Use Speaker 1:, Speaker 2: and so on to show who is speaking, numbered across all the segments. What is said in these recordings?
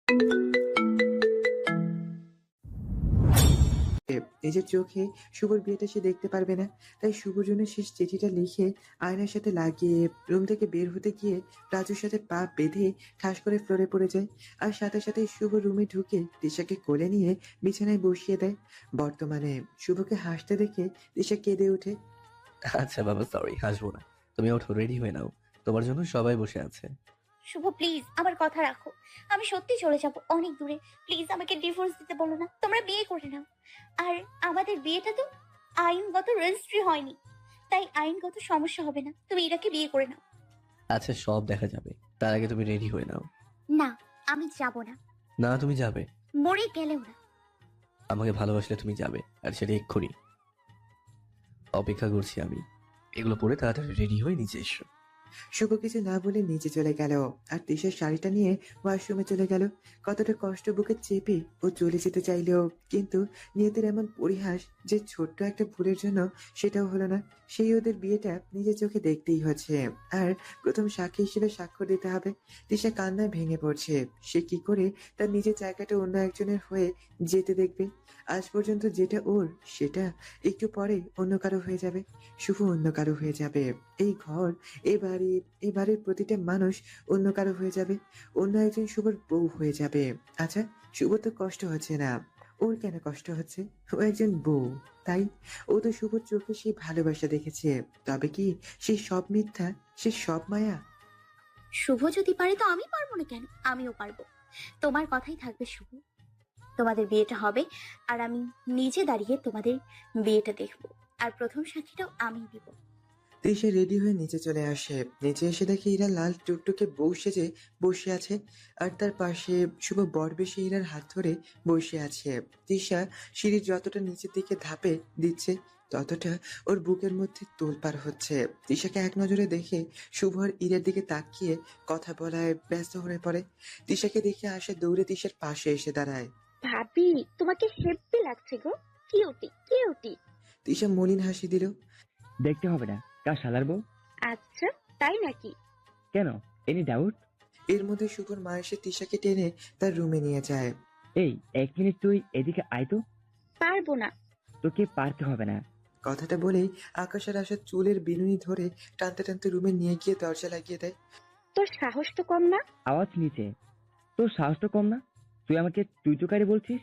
Speaker 1: নিজের চোখে শুভর বিয়েটা সে দেখতে পারবে না, তাই শুভর জন্য শেষ চিঠিটা লিখে আয়নার সাথে লাগিয়ে রুম থেকে বের হতে গিয়ে রাজুর সাথে পা বেঁধে ঠাস করে ফ্লোরে পড়ে যায়। আর সাথে সাথে শুভ রুমে ঢুকে তিশাকে কোলে নিয়ে বিছানায় বসিয়ে দেয়। বর্তমানে শুভকে হাসতে দেখে তিশা কেঁদে ওঠে।
Speaker 2: আচ্ছা বাবা, সরি, হাসবো না। তুমি ওঠো, রেডি হয়ে নাও, তোমার জন্য সবাই বসে আছে।
Speaker 3: শুভ প্লিজ আমার কথা রাখো। আমি সত্যি চলে যাব অনেক দূরে। প্লিজ আমাকে ডিভোর্স দিতে বলো না, তোমরা বিয়ে করে নাও। আর আমাদের বিয়েটা তো আইনগত রেজিস্ট্রি হয়নি, তাই আইনগত সমস্যা হবে না। তুমি এটাকে বিয়ে করে নাও।
Speaker 2: আচ্ছা, সব দেখা যাবে, তার আগে তুমি রেডি হয়ে নাও।
Speaker 3: না, আমি যাব না।
Speaker 2: না, তুমি যাবে।
Speaker 3: মরে গেলেও না।
Speaker 2: আমাকে ভালোবাসলে তুমি যাবে, আর সেটা এক্ষুনি। অপেক্ষা করছি আমি। এগুলো পরে তাড়াতাড়ি রেডি হয়ে নিচে এসো।
Speaker 1: শুভ কিছু না বলে নিচে চলে গেল আর তিশার শাড়িটা নিয়ে ওয়াশরুমে চলে গেল। কতটা কষ্ট বুকে চেপে ও চলে যেতে চাইলেও কিন্তু নিয়তির এমন পরিহাস যে ছোট্ট একটা ভুলের জন্য সেটাও হলো না। সেই ওদের বিয়েটা নিজের চোখে দেখতেই হচ্ছে, আর প্রথম সাক্ষী হিসেবে স্বাক্ষর দিতে হবে। তিশা কান্নায় ভেঙে পড়ছে। সে কি করে তার নিজের জায়গাটা অন্য একজনের হয়ে যেতে দেখবে? আজ পর্যন্ত যেটা ওর, সেটা একটু পরে অন্য কারো হয়ে যাবে। শুভ অন্য কারো হয়ে যাবে। এই ঘর, এবারের প্রতিটা মানুষ অন্য কারো হয়ে যাবে, অন্য একজন শুভর বউ হয়ে যাবে। আচ্ছা, শুভ তো কষ্ট হচ্ছে না, ওর কেন কষ্ট হচ্ছে? ও একজন বউ, তাই ও তো শুভর চোখে সেই ভালোবাসা দেখেছে। তবে কি সে সব মিথ্যা, সে সব মায়া?
Speaker 3: শুভ যদি পারে তো আমি পারবো না কেন? আমিও পারবো। তোমার কথাই থাকবে শুভ। তোমাদের বিয়েটা হবে, আর আমি নিজে দাঁড়িয়ে তোমাদের বিয়েটা দেখবো। আর প্রথম সাক্ষীটাও আমি দিব।
Speaker 1: তৃষা রেডি হয়ে নিচে চলে আসে। নিচে এসে দেখে ইরা লাল টুকটুকে বউ সেজে বসে আছে, আর তার পাশে শুভ বরবেশে ইরার হাত ধরে বসে আছে। তৃষা সিঁড়ির যতটা নিচের দিকে ধাপে দিচ্ছে, ততটা ওর বুকের মধ্যে তোলপাড় হচ্ছে। তৃষাকে এক নজরে দেখে শুভ আর ইরার দিকে তাকিয়ে কথা বলায় ব্যস্ত হয়ে পড়ে। তৃষাকে দেখে আসে দৌড়ে তৃষার পাশে এসে দাঁড়ায়।
Speaker 4: ভাবি, তোমাকে হেব্বি লাগছে গো। Cutie cutie.
Speaker 1: তৃষা মলিন হাসি দিল।
Speaker 5: দেখতে হবে না কার শালার বউ।
Speaker 4: আচ্ছা, তাই নাকি?
Speaker 5: কেন? Any doubt?
Speaker 1: এর মধ্যে শুভর মা এসে তৃষাকে টেনে তার রুমে নিয়ে যায়।
Speaker 5: এই 1 মিনিট তুই এদিকে আয় তো।
Speaker 4: পারবো না।
Speaker 5: তোকে পারতে হবে না।
Speaker 1: কথাটা বলেই আকাশের আসার চুলের বিনুনি ধরে টানতে টানতে রুমে নিয়ে গিয়ে দরজা লাগিয়ে দেয়।
Speaker 4: তোর সাহস তো কম না।
Speaker 5: আওয়াজ নিচে। তোর সাহস তো কম না, তুই আমাকে তুই তুকারি বলছিস?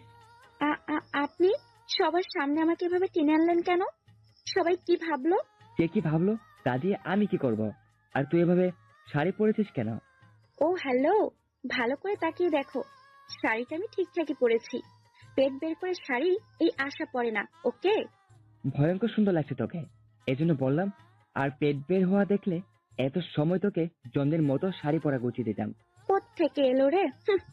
Speaker 4: আপনি সবার সামনে আমাকে এভাবে টেনে আনলেন কেন? সবাই কি ভাবলো?
Speaker 5: কে কি ভাবলো তা দিয়ে আমি কি করব? আর তুই এভাবে শাড়ি পরেছিস কেন?
Speaker 4: ও হ্যালো, ভালো করে তাকিয়ে দেখো। শাড়িটা আমি ঠিকঠাকই পরেছি। পেট বের করে শাড়ি এই আশা পড়ে না, ওকে?
Speaker 5: ভয়ঙ্কর সুন্দর লাগছে তোকে, এজন্য বললাম। আর পেট বের হওয়া দেখলে এত সময় তোকে জন্মের মতো শাড়ি পরা গুছিয়ে দিতাম।
Speaker 4: কোত্থেকে এলো রে?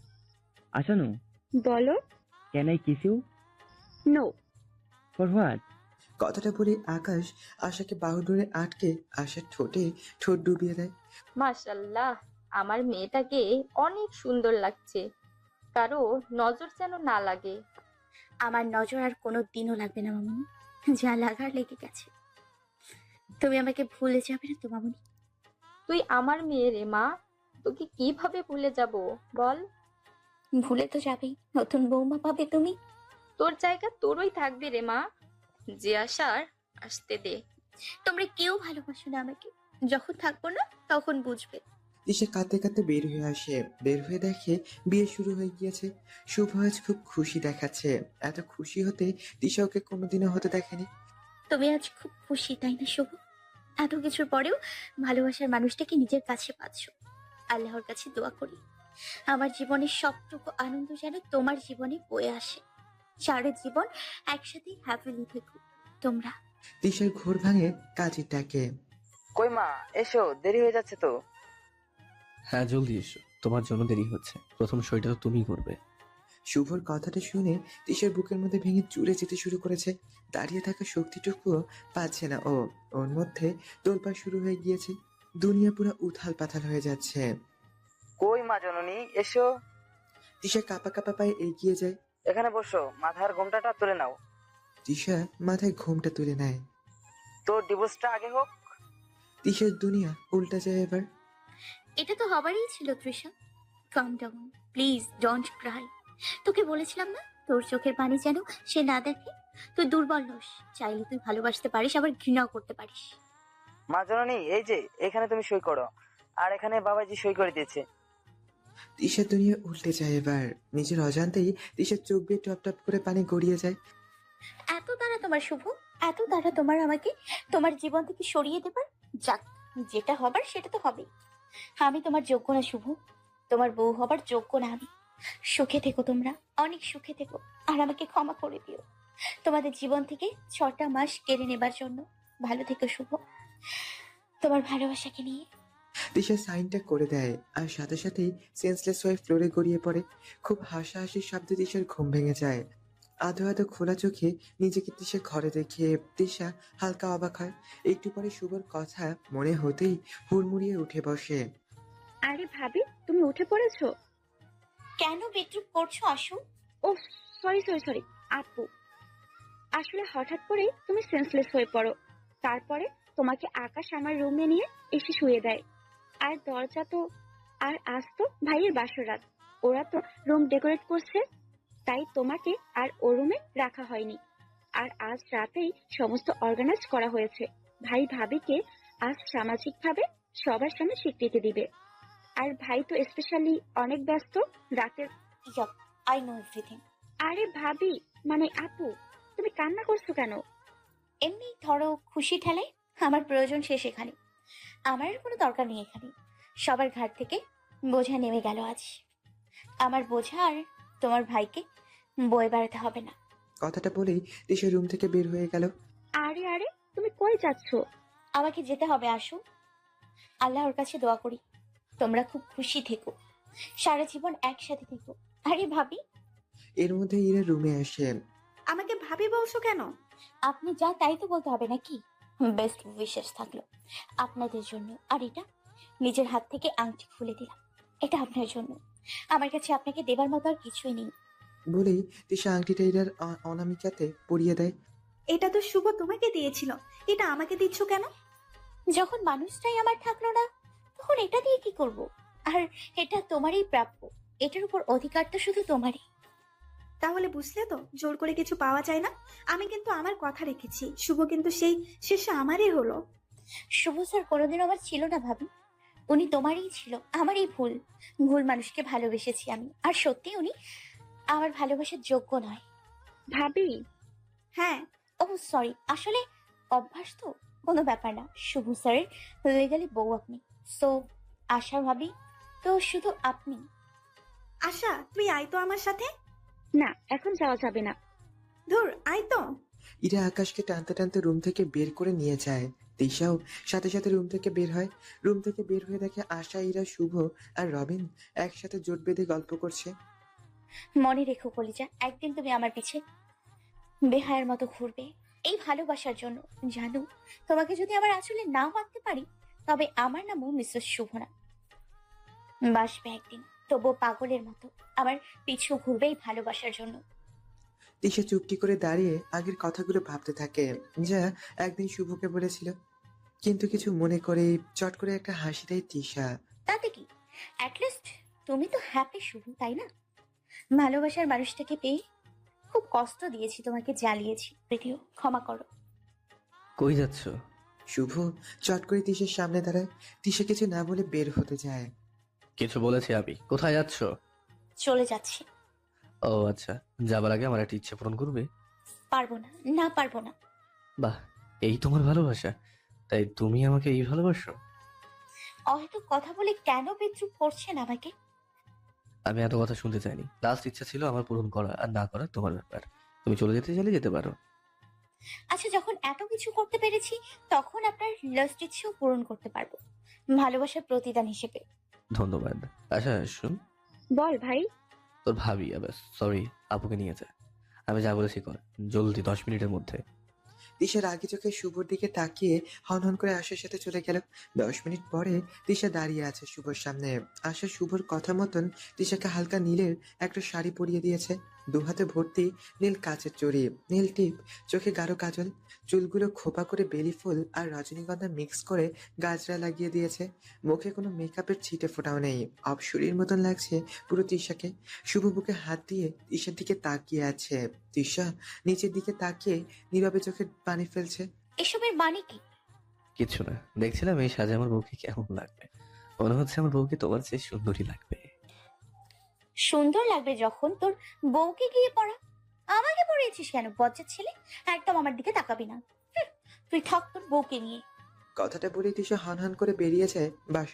Speaker 5: আসানু,
Speaker 4: বলো।
Speaker 5: Can I kiss you?
Speaker 4: No.
Speaker 5: For what?
Speaker 1: কথাটা বলে আকাশ আশাকে বাহু ধরে আটকে আশার ঠোঁটে ঠোঁট ডুবিয়ে দেয়।
Speaker 6: মাশাল্লাহ, আমার মেয়েটাকে অনেক সুন্দর লাগছে, কারো নজর যেন না লাগে।
Speaker 3: আমার নজর আর কোনো দিনও লাগবে না মামুনি, যা লাগার লেগে গেছে। তুমি আমাকে ভুলে যাবে না তো মামুনি?
Speaker 6: তুই আমার মেয়ে রে মা, তোকে কিভাবে ভুলে যাব বল?
Speaker 3: ভুলে তো যাবেই, নতুন বৌমা পাবে তুমি।
Speaker 6: তোর জায়গা তোরই থাকবে রে মা, যে আসার আসতে দে।
Speaker 3: তোমরা কেউ ভালোবাসো না আমাকে, যখন থাকবো না তখন বুঝবে।
Speaker 1: দিশা কাঁদতে কাঁদতে বের হয়ে আসে। বের হয়ে দেখে বিয়ে শুরু হয়ে গিয়েছে। শুভ আজ খুব খুশি দেখাচ্ছে। এত খুশি হতে দিশা ওকে কোনোদিনও হতে দেখেনি।
Speaker 3: তুমি আজ খুব খুশি তাই না শুভ? এত কিছুর পরেও ভালোবাসার মানুষটাকে নিজের কাছে পাচ্ছ। আল্লাহর কাছে দোয়া করি আমার জীবনের সবটুকু আনন্দ যেন তোমার জীবনে বয়ে আসে। সারা জীবন একসাথে হ্যাপিলি থেকো তোমরা।
Speaker 1: দিশার ঘোর ভাঙে কাজের ডাকে।
Speaker 7: কই মা, এসো, দেরি হয়ে যাচ্ছে তো।
Speaker 2: হ্যাঁ, জলদি এসো, তোমার জন্য দেরি হচ্ছে। প্রথম সইটা তো তুমিই করবে।
Speaker 1: শুভর কথাটা শুনে দিশার বুকের মধ্যে ভেঙে চুরে যেতে শুরু করেছে। দাঁড়িয়ে থাকা শক্তিটুকুও পাচ্ছে না ও। ওর মধ্যে তোলপাড় শুরু হয়ে গিয়েছে। দুনিয়া পুরো উথাল পাথাল হয়ে যাচ্ছে।
Speaker 7: কই মা জননী, এসো।
Speaker 1: দিশা কাঁপা কাঁপা পায়ে এগিয়ে যায়।
Speaker 7: এখানে বসো, মাথার ঘোমটাটা তুলে নাও।
Speaker 1: দিশা মাথায় ঘোমটা তুলে নেয়।
Speaker 7: তোর ডিভোর্সটা আগে হোক।
Speaker 1: দিশার দুনিয়া উল্টা যায় এবার।
Speaker 3: এটা তো হবারই ছিল Trisha. Calm down, please don't cry. তোকে বলেছিলাম না তোর চোখের পানি যেন সে না দেখে। তুই দুর্বল নস, চাইলে তুই ভালোবাসতে পারিস, আবার ঘৃণাও করতে পারিস।
Speaker 7: মা জননী, এই যে এখানে তুমি সই করো, আর এখানে বাবাজি সই করে দিয়েছে।
Speaker 1: তিশার দুনিয়া উল্টে যায় এবার। নিজের অজান্তেই তিশার চোখ বেয়ে টপ টপ করে পানি গড়িয়ে যায়।
Speaker 3: এত তারা তোমার শুভ, এত তারা তোমার আমাকে তোমার জীবন থেকে সরিয়ে দেবার? যাক, যেটা হবার সেটা তো হবেই। আমি তোমার যোগ্য না শুভ, তোমার বউ হবার যোগ্য না আমি। সুখে থেকো তোমরা, অনেক সুখে থেকো, আর আমাকে ক্ষমা করে দিও তোমাদের জীবন থেকে 6টা মাস কেড়ে নেবার জন্য। ভালো থেকো শুভ, তোমার ভালোবাসাকে নিয়ে।
Speaker 1: তিশা সাইনটা করে দেয় আর সাথে সাথেই সেন্সলেস হয়ে ফ্লোরে গড়িয়ে পড়ে। খুব হাসাহাসির শব্দে তিশার ঘুম ভেঙে যায়। আধো আধো খোলা চোখে নিজেকে তিশা ঘরে দেখে তিশা হালকা অবাক হয়। একটু পরে শুভর কথা মনে হতেই হুড়মুড়িয়ে উঠে বসে।
Speaker 4: আরে ভাবি, তুমি উঠে পড়েছো?
Speaker 3: কেন বেডরুম করছো আসু?
Speaker 4: ও সরি সরি সরি আপু, আসলে হঠাৎ করেই তুমি সেন্সলেস হয়ে পড়ো। তারপরে তোমাকে আকাশ আমার রুমে নিয়ে এসে শুয়ে দেয়। আর দরজা তো, আর আজ তো ভাইয়ের বাসর রাত, ওরা তো রুম ডেকোরেট করছে, তাই তোমাকে আর ও রুমে রাখা হয়নি। আর আজ রাতেই সমস্ত অর্গানাইজ করা হয়েছে। ভাই ভাবিকে আজ সামাজিকভাবে সবার সামনে স্বীকৃতি দিবে। আর ভাই তো স্পেশালি অনেক ব্যস্ত রাতের।
Speaker 3: Yup, I know everything.
Speaker 4: আরে ভাবি, মানে আপু, তুমি কান্না করছো কেন?
Speaker 3: এমনি ধরো খুশি ঠেলায় আমার প্রয়োজন শেষ এখানে। আমার আর কোনো দরকার নেই এখানে। সবার ঘাট থেকে বোঝা নেমে গেল আজ। আমার বোঝা আর তোমার ভাইকে বয়ে বেড়াতে হবে না।
Speaker 1: কথাটা বলেই তিশা রুম থেকে বের হয়ে গেল।
Speaker 4: আরে আরে, তুমি কই যাচ্ছ?
Speaker 3: আমাকে যেতে হবে আসু। আল্লাহর কাছে দোয়া করি তোমরা খুব খুশি থেকো, সারা জীবন একসাথে থেকো। আরে ভাবি।
Speaker 1: এর মধ্যে ইরা রুমে আসে।
Speaker 8: আমাকে ভাবি বলছো কেন?
Speaker 3: আপনি যা তাই তো বলতে হবে নাকি? বেস্ট উইশেস থাকলো আপনাদের জন্য। আর এটা নিজের হাত থেকে আংটি খুলে দিলাম, এটা আপনার জন্য। আমার কাছে আপনাকে দেবার মতো আর কিছুই নেই।
Speaker 1: বলেই তিশা আংটিটা ইরার অনামিকাতে পরিয়ে দেয়।
Speaker 8: এটা তো শুভ তোমাকে দিয়েছিল, এটা আমাকে দিচ্ছ কেন?
Speaker 3: যখন মানুষটাই আমার থাকলো না, তখন এটা দিয়ে কি করব? আর এটা তোমারই প্রাপ্য, এটার উপর অধিকার তো শুধু তোমারই।
Speaker 8: তাহলে বুঝলে তো, জোর করে কিছু পাওয়া যায় না। আমি কিন্তু আমার কথা রেখেছি, শুভ কিন্তু সেই শেষে আমারই হলো।
Speaker 3: শুভ স্যার কোনোদিনও আমার ছিল না ভাবি, উনি তোমারই ছিল। আমারই ভুল, ভুল মানুষকে ভালোবেসেছি আমি। আর সত্যি উনি আমার ভালোবাসার যোগ্য নয়।
Speaker 4: ভাবি,
Speaker 8: হ্যাঁ,
Speaker 3: ও সরি, আসলে অভ্যাস তো, কোনো ব্যাপার না। শুভ স্যারের লিগালি বউ আপনি, সো আশা ভাবি তো শুধু আপনি।
Speaker 8: আশা তুই আয় তো আমার সাথে।
Speaker 4: না এখন যাওয়া যাবে না।
Speaker 8: ধুর, আয় তো।
Speaker 1: ইরা আকাশকে টানতে টানতে রুম থেকে বের করে নিয়ে যায়। তিশাও সাথে সাথে রুম থেকে বের হয়। রুম থেকে বের হয়ে দেখে আশা, ইরা, শুভ আর রবিন একসাথে জোট বেঁধে গল্প করছে।
Speaker 3: মনে রেখো কলিজা, একদিন তুমি আমার পিছে বেহায়ার মতো ঘুরবে এই ভালোবাসার জন্য। জানো, তোমাকে যদি আমার আসলে না মানতে পারি, তবে আমার নামও মিসেস শুভ না। বাসবে একদিন, তবুও পাগলের মতো আমার পিছু ঘুরবে এই ভালোবাসার জন্য।
Speaker 1: তিশা চুপটি করে দাঁড়িয়ে আগের কথাগুলো ভাবতে থাকে, যা একদিন শুভকে বলেছিল। কিন্তু কিছু মনে করে চট করে একটা হাসি দেয় তিশা।
Speaker 3: তাতে কি, অ্যাটলিস্ট তুমি তো হ্যাপি শুভ, তাই না? ভালোবাসার মানুষটাকে পেয়ে খুব কষ্ট দিয়েছি, তোমাকে জ্বালিয়েছি, যদিও ক্ষমা করো।
Speaker 2: কই যাচ্ছ?
Speaker 1: শুভ চট করে তিশার সামনে দাঁড়ায়। তিশা কিছু না বলে বের হতে যায়।
Speaker 2: কিছু বলেছি আমি? কোথায় যাচ্ছ?
Speaker 3: চলে যাচ্ছি।
Speaker 2: ও আচ্ছা, যাবার আগে আমার একটা ইচ্ছে পূরণ করবে?
Speaker 3: পারবো না, না পারবো না।
Speaker 2: বাহ, এই তোমার ভালোবাসা? তাই তুমি আমাকে এই ভালোবাসো?
Speaker 3: হয়তো কথা বলে কেন বিদ্রুপ করছেন আমাকে?
Speaker 2: আমি এত কথা শুনতে চাইনি। লাস্ট ইচ্ছা ছিল আমার পূরণ করা, আর না করা তোমার ব্যাপার। তুমি চলে যেতে চাইলে যেতে পারো।
Speaker 3: আচ্ছা, যখন এত কিছু করতে পেরেছি, তখন আপনার লাস্ট ইচ্ছেও পূরণ করতে পারবো, ভালোবাসার প্রতিদান হিসেবে।
Speaker 2: ধন্যবাদ। আচ্ছা শুন,
Speaker 4: বল ভাই।
Speaker 2: তোর ভাবি, সরি, আপুকে নিয়ে যা। আমি যা বলেছি কর, জলদি 10 মিনিটের মধ্যে।
Speaker 1: তিশা রাগি চোখে শুভর দিকে তাকিয়ে হনহন করে আশার সাথে চলে গেল। 10 মিনিট পরে তিশা দাঁড়িয়ে আছে শুভর সামনে। আশা শুভর কথা মতন তিশাকে হালকা নীলের একটা শাড়ি পরিয়ে দিয়েছে। দু হাতে ভর্তি নীল কাচের চড়ি, নীল টিপ, চোখে গাঢ় কাজল, চুলগুলো খোপা করে বেলি ফুল আর রজনীগন্ধা মিক্স করে গাজরা লাগিয়ে দিয়েছে। মুখে কোনো মেকআপের ছিটে ফোটাও নেই। অপসরীর মতন লাগছে পুরো তিশাকে। শুভ বুকে হাত দিয়ে তিশার দিকে তাকিয়ে আছে। তিশা নিচের দিকে তাকিয়ে নীরবে চোখে পানি ফেলছে।
Speaker 3: এসবের মানে কি?
Speaker 2: কিচ্ছু না, দেখছিলাম এই সাজে আমার বউকে কেমন লাগবে। মনে হচ্ছে আমার বউকে তোমার চেয়ে সুন্দরী লাগবে।
Speaker 3: সুন্দর লাগবে যখন তোর বউকে গিয়ে পড়া। আমাকে পড়িয়েছিস কেন বজ্জাত ছেলে? একদম আমার দিকে তাকাবি না। তুই থাক তোর বউকে নিয়ে।
Speaker 1: কথাটা বলে তিশা হনহন করে বেরিয়ে যায়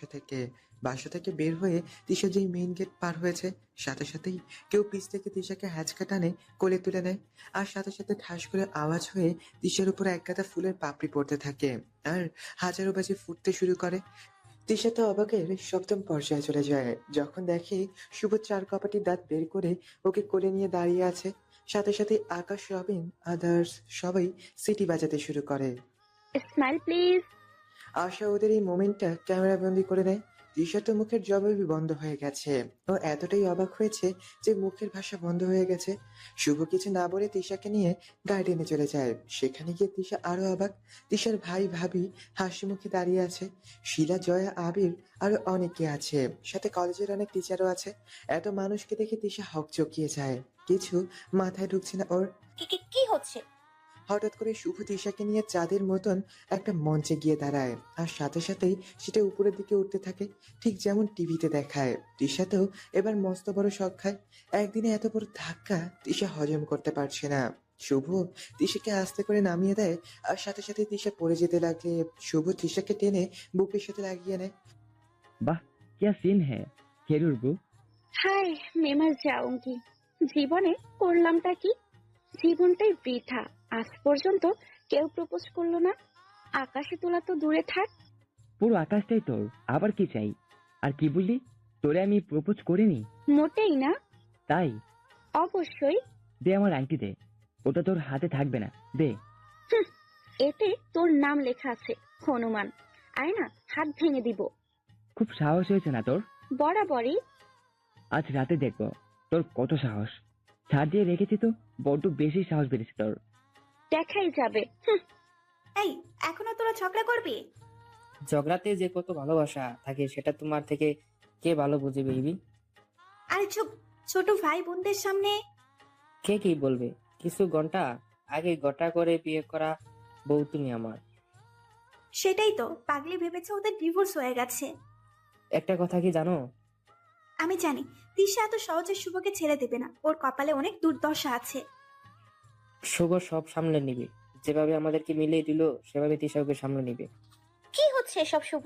Speaker 1: বাসা থেকে বের হয়ে তিশা যেই মেইন গেট পার হয়েছে, সাথে সাথেই কেউ পিছ থেকে তিশাকে হ্যাচকা টানে কোলে তুলে নেয়। আর সাথে সাথে ঠাস করে আওয়াজ হয়ে তিশার উপর এক গাদা ফুলের পাপড়ি পড়তে থাকে আর হাজারো বাজি ফুটতে শুরু করে। তিশা তো অবাকের সপ্তম পর্যায়ে চলে যায় যখন দেখে শুভ চার কপাটি দাঁত বের করে ওকে কোলে নিয়ে দাঁড়িয়ে আছে। সাথে সাথে আকাশ, রবিন, আদার্স সবাই সিটি বাজাতে শুরু করে।
Speaker 4: Smile please.
Speaker 1: আশা ওদের এই মোমেন্টটা ক্যামেরা বন্দি করে নেয়। তিশা তো মুখের জবাবই বন্ধ হয়ে গেছে। ও এতটাই অবাক হয়েছে যে মুখের ভাষা বন্ধ হয়ে গেছে। শুভ কিছু না বলে তিশাকে নিয়ে গার্ডেনে চলে যায়। সেখানে গিয়ে তিশা আরো অবাক। তিশার ভাই ভাবি হাসি মুখে দাঁড়িয়ে আছে। শিলা, জয়া, আবির আরো অনেকে আছে। সাথে কলেজের অনেক টিচারও আছে। এত মানুষকে দেখে তিশা হকচকিয়ে যায়। কিছু মাথায় ঢুকছে না ওর।
Speaker 3: কি হচ্ছে?
Speaker 1: হঠাৎ করে শুভ তিশাকে নিয়ে চাঁদের মতন একটা মঞ্চে গিয়ে দাঁড়ায় আর সাথে সাথেই সেটা উপরের দিকে উঠতে থাকে, ঠিক যেমন টিভিতে দেখায়। তিশাতেও এবার মস্ত বড় শখ খায়। একদিনে এত বড় ধাক্কা তিশা হজম করতে পারছে না। শুভ তিশাকে আস্তে করে নামিয়ে দেয় আর সাথে সাথে তিশা পড়ে যেতে লাগলে শুভ তিশাকে টেনে বুকের সাথে লাগিয়ে নেয়।
Speaker 5: वाह क्या सीन है खेरूर बू।
Speaker 4: হাই, মেমার যাউঙ্গি। জীবনে করলামটা কি? জীবনটাই বৃথা। আজ পর্যন্ত কেউ প্রপোজ করলো না। আকাশে তোলা তো দূরে থাক।
Speaker 5: পুরো আকাশটাই তোর, আবার কি চাই? আর কি বললি, তোরে আমি প্রপোজ করিনি?
Speaker 4: মোটেই না।
Speaker 5: তাই
Speaker 4: অবশ্যই।
Speaker 5: দে আমার আংটি দে, ওটা তোর হাতে থাকবে না, দে।
Speaker 4: হুঁ, এতে তোর নাম লেখা আছে হনুমান। আয় না, হাত ভেঙে দিব।
Speaker 5: খুব সাহস হয়েছে না তোর?
Speaker 4: বরাবরই।
Speaker 5: আজ রাতে দেখবো তোর কত সাহস। ছাড় দিয়ে রেখেছি তো, বড্ড বেশি সাহস বেড়েছে তোর।
Speaker 4: দেখাই যাবে। হুঁ,
Speaker 8: এই, এখনো তোরা ঝগড়া করবি?
Speaker 9: ঝগড়াতে যে কত ভালোবাসা থাকে সেটা তোমার থেকে কে ভালো বুঝে বেবি?
Speaker 8: আরে চুপ, ছোট ভাই বোনদের সামনে।
Speaker 9: কে কি বলবে? কিছু ঘন্টা আগে গোটা করে বিয়ে করা বউ তুমি আমার।
Speaker 8: সেটাই তো, পাগলি ভেবেছে ওদের ডিভোর্স হয়ে গেছে।
Speaker 9: একটা কথা কি জানো?
Speaker 8: আমি জানি তিশা এত সহজে শুভকে ছেড়ে দেবে না। ওর কপালে অনেক দুর্দশা আছে।
Speaker 9: শুভ সব সামলে নিবে। যেভাবে আমাদেরকে মিলিয়ে দিল সেভাবে তিশাকে সামলে নিবে।
Speaker 3: কি হচ্ছে এসব শুভ?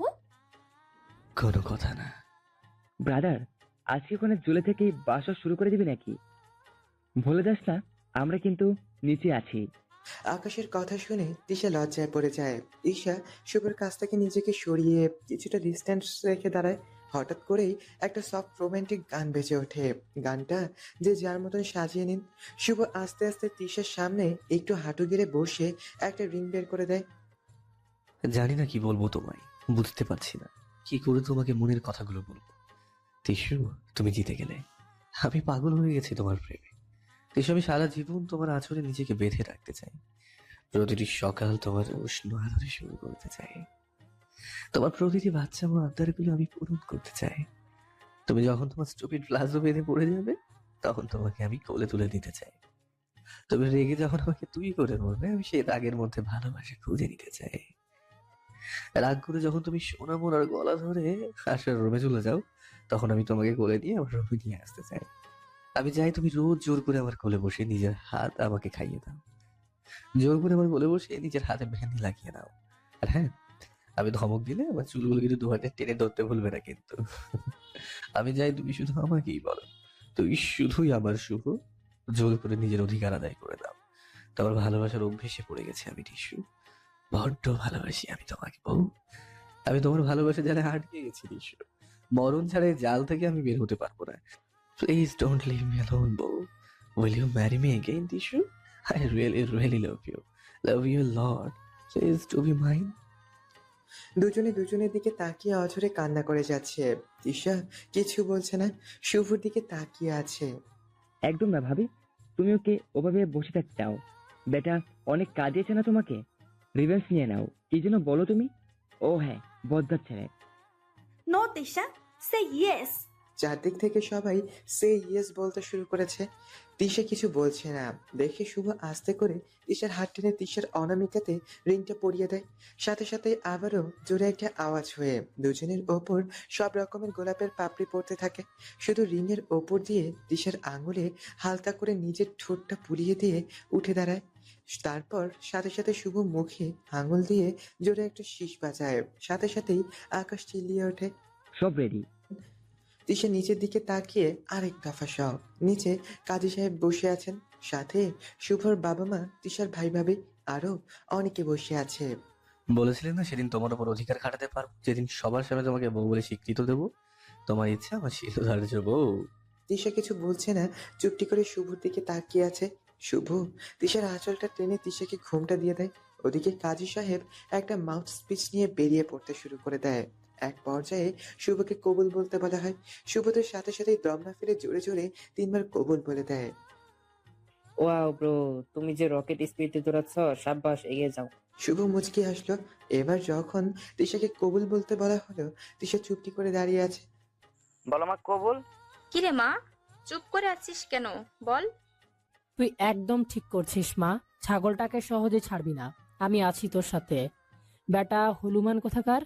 Speaker 2: কোনো কথা না।
Speaker 5: ব্রাদার, আজকে ওখানে জুলে থেকে বাসা শুরু করে দিবি নাকি? ভুলে যাস না আমরা কিন্তু নিচে আছি।
Speaker 1: আকাশের কথা শুনে তিশা লজ্জায় পড়ে যায়। ঈশা শুভর কাছ থেকে নিজেকে সরিয়ে কিছুটা ডিস্টেন্স রেখে দাঁড়ায়। হঠাৎ করেই একটা সফট রোমান্টিক গান বেজে ওঠে। গানটা যে যার মতন সাজিয়ে নিন। শুভ আস্তে আস্তে তিশার সামনে একটু হাঁটু গেড়ে বসে একটা রিং বের করে দেয়।
Speaker 2: জানি না কি বলবো তোমায়, বুঝতে পারছি না কি করে তোমাকে মনের কথাগুলো বলবো। তিশু, তুমি জিতে গেলে। আমি পাগল হয়ে গেছি তোমার প্রেমে। তিশু, আমি সারা জীবন তোমার আঁচলে নিজেকে বেঁধে রাখতে চাই। প্রতিটি সকাল তোমার উষ্ণ আদরে শুরু করতে চাই। তোমার প্রতিটি বাচ্চা ও আবদারগুলো আমি পূরণ করতে চাই। তুমি যখন তোমার স্টুপিড প্লাজো বেঁধে পড়ে যাবে তখন তোমাকে আমি কোলে তুলে নিতে চাই। তুমি রেগে যখন আমাকে তুই করে বলবে আমি সেই রাগের মধ্যে ভালোবাসা খুঁজে নিতে চাই। রাগ করে যখন তুমি সোনা মোনার গলা ধরে আসার রুমে চলে যাও তখন আমি তোমাকে কোলে নিয়ে আমার রুমে নিয়ে আসতে চাই। আমি চাই তুমি রোজ জোর করে আমার কোলে বসে নিজের হাত আমাকে খাইয়ে দাও। জোর করে আমার কোলে বসে নিজের হাতে মেহেন্দি লাগিয়ে দাও। আর হ্যাঁ, আমি ধমক দিলে আমার চুলগুলো কিন্তু দু হাতে টেনে ধরতে ভুলবে না কিন্তু। আমি চাই তুমি শুধু আমাকেই বলো, তুই শুধুই আমার শুভ। জোর করে নিজের অধিকার আদায় করে দাও। তোমার ভালোবাসার অভ্যেসে পড়ে গেছে আমি টিসু। বড্ড ভালোবাসি আমি তোমাকে বউ। আমি তোমার ভালোবাসা জালে আটকে গেছি টিসু। মরণ ছাড়া এই জাল থেকে আমি বের হতে পারবো না। Please don't leave me alone বউ। Will you marry me again টিসু? I really love you. Love you lot. Please to be mine.
Speaker 1: দুজনে দুজনের দিকে তাকিয়ে অঝরে কান্না করে যাচ্ছে। তিশা কিছু বলছে না, শুভর দিকে তাকিয়ে আছে।
Speaker 5: একদম না ভাবি, তুমি ওকে ওভাবে বসে থাকতে চাও? বেটা অনেক কাঁদিয়েছে না তোমাকে? রিভেন্স নিয়ে নাও। কি যেন বলো তুমি? ও হ্যাঁ, বজ্জাত ছেলে।
Speaker 8: No Tisha, say yes.
Speaker 1: চারদিক থেকে সবাই সে ইয়েস বলতে শুরু করেছে। তিশা কিছু বলছে না দেখে শুভ আস্তে করে তিশার হাত টেনে তিশার অনামিকাতে রিংটা পরিয়ে দেয়। সাথে সাথে আবারও জোরে একটা আওয়াজ হয়ে দুজনের ওপর সব রকমের গোলাপের পাপড়ি পড়তে থাকে। শুধু রিংয়ের ওপর দিয়ে তিশার আঙুলে হালকা করে নিজের ঠোঁটটা পুড়িয়ে দিয়ে উঠে দাঁড়ায়। তারপর সাথে সাথে শুভ মুখে আঙুল দিয়ে জোরে একটা শীষ বাজায়। সাথে সাথেই আকাশ চিল্লিয়ে ওঠে।
Speaker 5: সব রেডি।
Speaker 1: তিশা নিচের দিকে তাকিয়ে আরেক দফা সব। নিচে কাজী সাহেব বসে আছেন, সাথে শুভর বাবা মা, তিশার ভাই ভাবি, আরো অনেকে বসে আছে।
Speaker 2: বলেছিলেন না সেদিন তোমার উপর অধিকার খাটাতে পারবো, যেদিন সবার সামনে তোমাকে বউ বলে স্বীকৃত দেবো। তোমার ইচ্ছা আমার শিরোধার্য বউ।
Speaker 1: তিশা কিছু বলছে না, চুপটি করে শুভর দিকে তাকিয়ে আছে। শুভ তিশার আঁচলটা টেনে তিশাকে ঘুমটা দিয়ে দেয়। ওদিকে কাজী সাহেব একটা মাউথ স্পিচ নিয়ে বেরিয়ে পড়তে শুরু করে দেয়। এক পর্যায়ে শুভকে কবুল বলতে বলা হয়। শুভ তো সাথে সাথেই দম না ফেলে জোরে জোরে 3বার কবুল বলে দেয়।
Speaker 9: ওয়াও ব্রো, তুমি যে রকেট স্পিডে দৌড়াচ্ছ, সাব্বাস, এগিয়ে যাও।
Speaker 1: শুভ মুচকি হাসলো। এবার যখন তিশাকে কবুল বলতে বলা হলো, তিশা চুপটি করে দাঁড়িয়ে আছে।
Speaker 7: বলো মা, কবুল।
Speaker 6: কিরে মা, চুপ করে আছিস কেন? বল।
Speaker 10: তুই একদম ঠিক করছিস মা, ছাগলটাকে সহজে ছাড়বি না। আমি আছি তোর সাথে। বেটা হলুমান কোথাকার।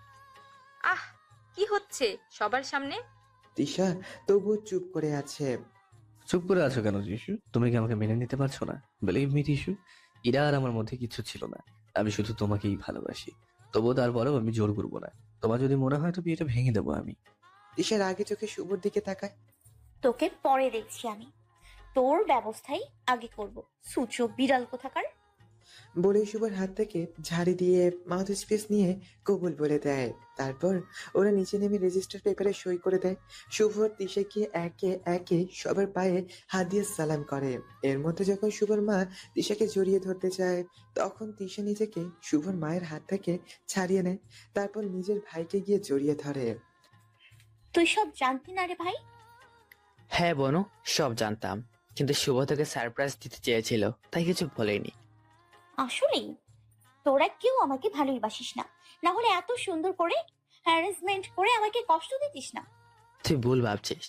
Speaker 6: আহ, কি হচ্ছে সবার সামনে?
Speaker 1: তিশা তবুও চুপ করে আছে।
Speaker 2: চুপ করে আছো কেন টিসু? তুমি কি আমাকে মেনে নিতে পারছো না? বিলিভ মি টিসু, এরা আর আমার মধ্যে কিছু ছিল না। আমি শুধু তোমাকেই ভালোবাসি। তবুও তারপরেও আমি জোর করবো না। তোমার যদি মনে হয় তো বিয়েটা ভেঙে দেবো আমি।
Speaker 1: তিশার আগে চোখে শুভর দিকে তাকায়।
Speaker 3: তোকে পরে দেখছি আমি, তোর ব্যবস্থাই আগে করব। সূচো বিড়াল কোথাকার।
Speaker 1: বলে শুভর হাত থেকে ঝাড়ি দিয়ে মাউথ স্পেস নিয়ে কবুল বলে দেয়। তারপর ওরা নিচে নেমে রেজিস্টার পেপারে সই করে দেয়। শুভ আর তিশাকে একে একে সবার পায়ে হাত দিয়ে সালাম করে। এর মধ্যে যখন শুভর মা তিশাকে জড়িয়ে ধরতে চায়, তখন তিশা নিজেকে শুভর মায়ের হাত থেকে ছাড়িয়ে নেয়। তারপর নিজের ভাইকে গিয়ে জড়িয়ে ধরে।
Speaker 3: তুই সব জানতি না রে ভাই?
Speaker 11: হ্যাঁ বনু, সব জানতাম, কিন্তু শুভ তোকে সারপ্রাইজ দিতে চেয়েছিল, তাই কিছু বলেনি।
Speaker 3: আসলেই তোরা কেউ আমাকে ভালোই বাসিস না, না হলে এত সুন্দর করে হ্যারাসমেন্ট করে আমাকে কষ্ট দিতিস না।
Speaker 11: তুই ভুল ভাবছিস।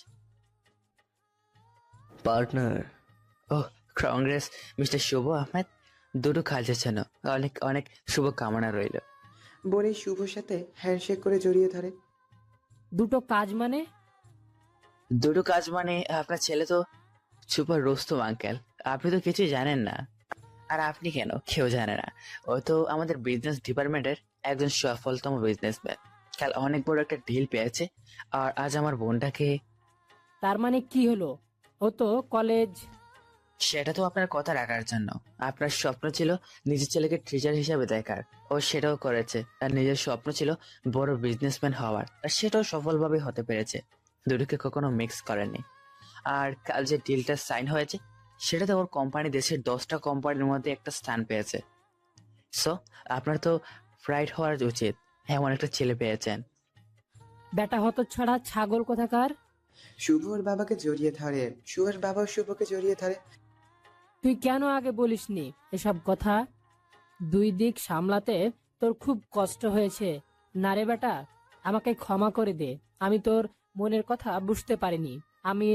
Speaker 2: Partner.
Speaker 11: Oh, congrats mister Shubho Ahmed, দুটো কাজের জন্য অনেক অনেক শুভ কামনা রইল।
Speaker 1: বলে শুভর সাথে হ্যান্ডশেক করে জড়িয়ে ধরে।
Speaker 10: দুটো কাজ মানে?
Speaker 11: দুটো কাজ মানে আপনার ছেলে তো সুপার রোস্তম আঙ্কেল, আপনি তো কিছুই জানেন না। আর আপনি কেন, কেউ জানে না। ও তো আমাদের বিজনেস ডিপার্টমেন্টের একজন সফলতম বিজনেসম্যান। কাল অনেক বড় একটা ডিল পেয়েছে, আর আজ আমার বোনটাকে।
Speaker 10: তার মানে কি হলো? ও তো কলেজ।
Speaker 11: সেটা তো আপনার কথা রাখার জন্য। আপনার স্বপ্ন ছিল নিজের ছেলেকে টিচার হিসাবে দেখার, ও সেটাও করেছে। আর নিজের স্বপ্ন ছিল বড় বিজনেসম্যান হওয়ার, আর সেটাও সফলভাবে হতে পেরেছে। দুটোকে কখনো মিক্স করেনি। আর কাল যে ডিলটা সাইন হয়েছে, সেটাতে ওর কোম্পানি দেশের 10টা কোম্পানির মধ্যে একটা স্থান পেয়েছে। সো আপনার তো প্রাইড হওয়ার উচিত, এমন একটা ছেলে পেয়েছেন।
Speaker 10: বেটা হতচ্ছাড়া ছাগল কোথাকার।
Speaker 1: শুভ ওর বাবাকে জড়িয়ে ধরে। শুভর বাবাও শুভকে জড়িয়ে ধরে।
Speaker 10: তুই কেন আগে বলিসনি এসব কথা? দুই দিক সামলাতে তোর খুব কষ্ট হয়েছে না রে বেটা? আমাকে ক্ষমা করে দে, আমি তোর মনের কথা বুঝতে পারিনি। আমি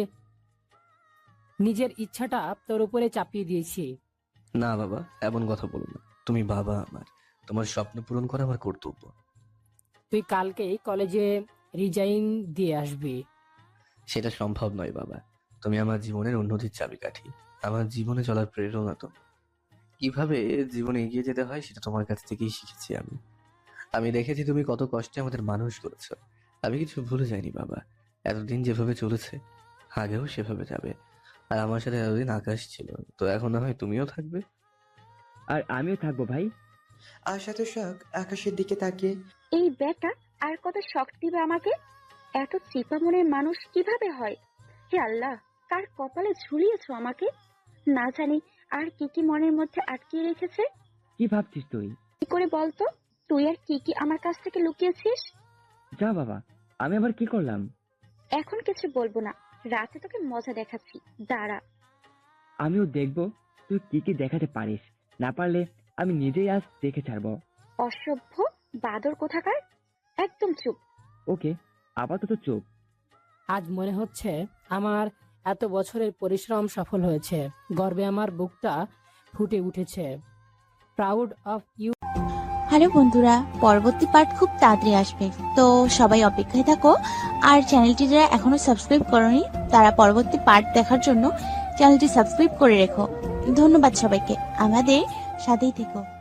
Speaker 10: নিজের ইচ্ছাটা তোর উপরে চাপিয়ে দিয়েছি।
Speaker 2: না বাবা, এমন কথা বলো না। তুমি বাবা আমার, তোমার স্বপ্ন পূরণ করা আমার কর্তব্য।
Speaker 10: তুই কালকেই কলেজে রিজাইন দিয়ে আসবি।
Speaker 2: সেটা সম্ভব নয় বাবা। তুমি আমার জীবনের উন্নতির চাবিকাঠি, আমার জীবনে চলার প্রেরণা। তো কিভাবে জীবনে এগিয়ে যেতে হয় সেটা তোমার কাছ থেকেই শিখেছি আমি। আমি দেখেছি তুমি কত কষ্টে আমাদের মানুষ করেছো। আমি কিছু ভুলে যাইনি বাবা। এতদিন যেভাবে চলেছে, আগেও সেভাবে যাবে। আর আমার সাথে এতদিন আকাশ ছিল, তো এখন না হয় তুমিও থাকবে।
Speaker 5: আর আমিও থাকবো ভাই।
Speaker 1: আশা তো শখ আকাশের দিকে তাকিয়ে।
Speaker 4: এই বেটা আর কত শখ দিবে আমাকে? এত চিপা মনের মানুষ কিভাবে হয়? হে আল্লাহ, কার কপালে ঝুলিয়েছো আমাকে? না জানি আর কি কি মনের মধ্যে আটকিয়ে রেখেছে।
Speaker 5: কি ভাবছিস তুই?
Speaker 4: কি করে বলতো, তুই আর কি কি আমার কাছ থেকে লুকিয়েছিস?
Speaker 5: যা বাবা, আমি আবার কি করলাম?
Speaker 4: এখন কিছু বলবো না, রাতে তোকে মজা দেখাচ্ছি, দাঁড়া।
Speaker 5: আমিও দেখবো তুই কি কি দেখাতে পারিস। না পারলে আমি নিজেই আজ দেখে ছাড়বো।
Speaker 4: অসভ্য বাদর কোথাকার, একদম চুপ।
Speaker 5: ওকে, আপাতত চুপ।
Speaker 10: আজ মনে হচ্ছে আমার এত বছরের পরিশ্রম সফল হয়েছে। গর্বে আমার বুকটা ফুটে উঠেছে। Proud of you.
Speaker 12: হ্যালো বন্ধুরা, পরবর্তী পার্ট খুব তাড়াতাড়ি আসবে, তো সবাই অপেক্ষায় থাকো। আর চ্যানেলটি যারা এখনো সাবস্ক্রাইব করোনি তারা পরবর্তী পার্ট দেখার জন্য চ্যানেলটি সাবস্ক্রাইব করে রেখো। ধন্যবাদ সবাইকে, আমাদের সাথেই থেকো।